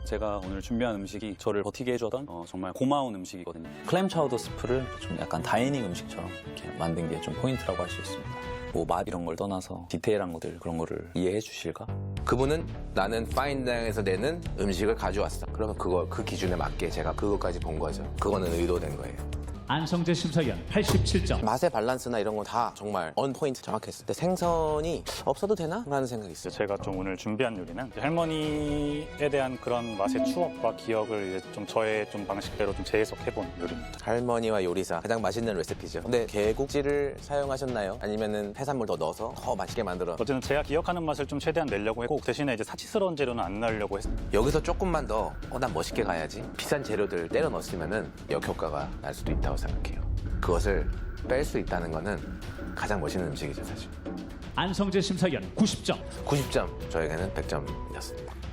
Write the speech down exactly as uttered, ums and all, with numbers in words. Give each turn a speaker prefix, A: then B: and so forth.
A: 제가 오늘 준비한 음식이 저를 버티게 해주던 어, 정말 고마운 음식이거든요.
B: 클램 차우더 스프를 좀 약간 다이닝 음식처럼 이렇게 만든 게 좀 포인트라고 할 수 있습니다. 뭐 맛 이런 걸 떠나서 디테일한 것들 그런 거를 이해해 주실까?
C: 그분은 나는 파인다이닝에서 내는 음식을 가져왔어. 그러면 그거 그 기준에 맞게 제가 그것까지 본 거죠. 그거는 의도된 거예요.
D: 안성재 심사위원 팔십칠 점.
C: 맛의 밸런스나 이런 거 다 정말 on 포인트 정확했어요. 근데 생선이 없어도 되나? 라는 생각이 있어요.
A: 제가 좀 오늘 준비한 요리는 할머니에 대한 그런 맛의 추억과 기억을 이제 좀 저의 좀 방식대로 좀 재해석해본 요리입니다.
C: 할머니와 요리사 가장 맛있는 레시피죠. 근데 개국지를 사용하셨나요? 아니면은 해산물 더 넣어서 더 맛있게 만들어?
A: 어쨌든 제가 기억하는 맛을 좀 최대한 내려고 했고 대신에 이제 사치스러운 재료는 안 넣으려고 했습니다.
C: 여기서 조금만 더, 어, 난 멋있게 가야지. 비싼 재료들 때려 넣었으면은 역효과가 날 수도 있다고 생각해요. 그것을 뺄 수 있다는 거는 가장 멋있는 음식이죠, 사실.
D: 안성재 심사위원 구십 점.
C: 구십 점, 저에게는 백 점이었습니다.